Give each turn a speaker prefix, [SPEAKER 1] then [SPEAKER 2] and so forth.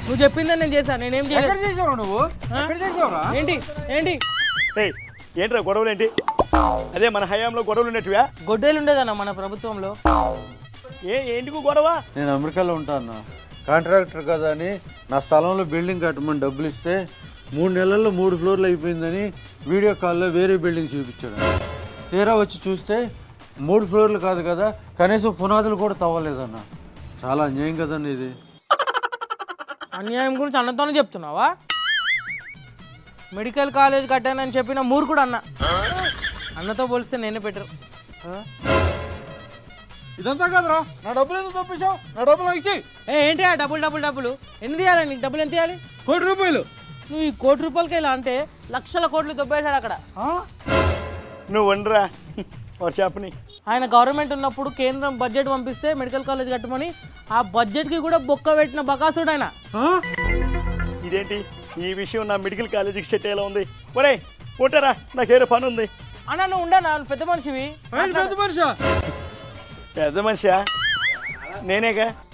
[SPEAKER 1] నువ్వు చెప్పిందని నేను చేశాను. నేనేం
[SPEAKER 2] చేసావు నువ్వు?
[SPEAKER 1] ఏంటి ఏంటి
[SPEAKER 3] ఏంట్రా గొడవలు ఏంటి? అదే మన హయాంలో గొడవలు ఉన్నట్టువా?
[SPEAKER 1] గొడ్డేలు ఉండేదన్న మన ప్రభుత్వంలో.
[SPEAKER 3] ఏంటికు గొడవ?
[SPEAKER 2] నేను అమెరికాలో ఉంటాను, కాంట్రాక్టర్ కదా అని నా స్థలంలో బిల్డింగ్ కట్టమని డబ్బులు ఇస్తే 3 నెలల్లో 3 ఫ్లోర్లు అయిపోయిందని వీడియో కాల్లో వేరే బిల్డింగ్ చూపించాడు. తీరా వచ్చి చూస్తే 3 ఫ్లోర్లు కాదు కదా, కనీసం పునాదులు కూడా తవ్వలేదన్న. చాలా అన్యాయం కదండి ఇది.
[SPEAKER 1] అన్యాయం గురించి అన్నతోనే చెప్తున్నావా? మెడికల్ కాలేజ్ కట్టానని చెప్పిన మూర్ఖుడు అన్న. అన్నతో పోలిస్తే నేనే బెటర్.
[SPEAKER 2] ఇదంతా కాదురా, నా డబ్బులు ఎందుకు తప్పించావు? నా డబ్బులు ఇచ్చి.
[SPEAKER 1] ఏంటి ఆ డబ్బులు ఎన్ని తీయాలి నీకు? డబ్బులు ఎంత తీయాలి?
[SPEAKER 2] 1 కోటి రూపాయలు.
[SPEAKER 1] నువ్వు ఈ 1 కోటి రూపాయలకి ఇలా అంటే లక్షల కోట్లు దొబ్బేశాడు అక్కడ.
[SPEAKER 3] నువ్వు వండరా చెప్పని.
[SPEAKER 1] ఆయన గవర్నమెంట్ ఉన్నప్పుడు కేంద్రం బడ్జెట్ పంపిస్తే మెడికల్ కాలేజ్ కట్టమని ఆ బడ్జెట్కి కూడా బొక్క పెట్టిన బకాసుడు ఆయన.
[SPEAKER 3] ఇదేంటి ఈ విషయం నా మెడికల్ కాలేజీకి సెట్ అయ్యేలా ఉంది. ఒరే ఉంటారా, నాకేదో పని ఉంది.
[SPEAKER 1] అన్న నువ్వు ఉండనా? పెద్ద మనిషివి.
[SPEAKER 3] పెద్ద మనిషా? నేనేగా.